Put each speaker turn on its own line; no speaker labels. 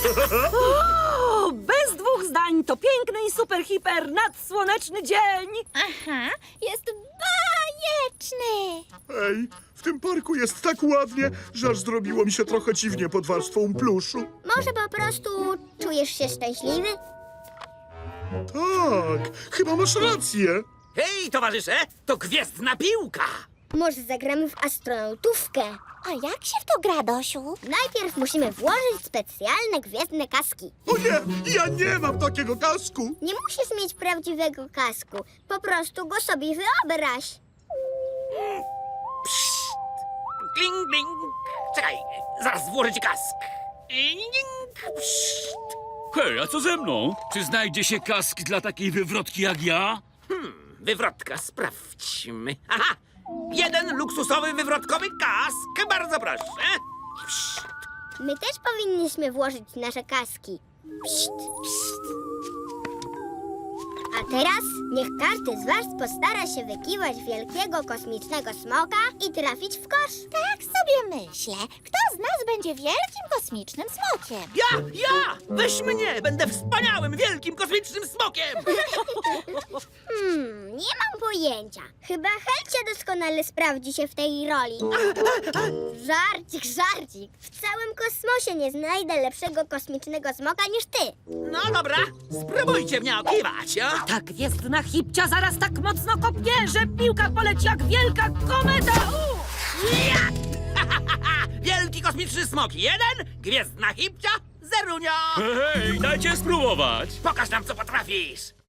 O, bez dwóch zdań, to piękny i super hiper nadsłoneczny dzień.
Aha, jest bajeczny.
Ej, w tym parku jest tak ładnie, że aż zrobiło mi się trochę dziwnie pod warstwą pluszu.
Może po prostu czujesz się szczęśliwy?
Tak, chyba masz rację.
Hej, towarzysze, to gwiezdna piłka!
Może zagramy w astronautówkę? A jak się w to gra, Dosiu? Najpierw musimy włożyć specjalne gwiezdne kaski.
O nie, ja nie mam takiego kasku.
Nie musisz mieć prawdziwego kasku. Po prostu go sobie wyobraź.
Kling, kling. Czekaj, zaraz włożę ci kask. Kling, pszt.
Hej, a co ze mną? Czy znajdzie się kask dla takiej wywrotki jak ja?
Wywrotka, sprawdźmy. Aha! Jeden luksusowy wywrotkowy kask, bardzo proszę. Pszt.
My też powinniśmy włożyć nasze kaski. Pszt, pszt. A teraz niech każdy z was postara się wykiwać wielkiego kosmicznego smoka i trafić w kosz.
Tak sobie myślę. Kto z nas będzie wielkim kosmicznym smokiem?
Ja! Weź mnie! Będę wspaniałym, wielkim, kosmicznym smokiem!
Nie mam pojęcia. Chyba Helcia doskonale sprawdzi się w tej roli. Żarcik, żarcik. W całym kosmosie nie znajdę lepszego kosmicznego smoka niż ty.
No dobra, spróbujcie mnie okiwać, o?
Ta gwiezdna hipcia zaraz tak mocno kopnie, że piłka poleci jak wielka kometa.
Wielki kosmiczny smok 1, gwiezdna hipcia 0.
Hej, dajcie spróbować!
Pokaż nam, co potrafisz!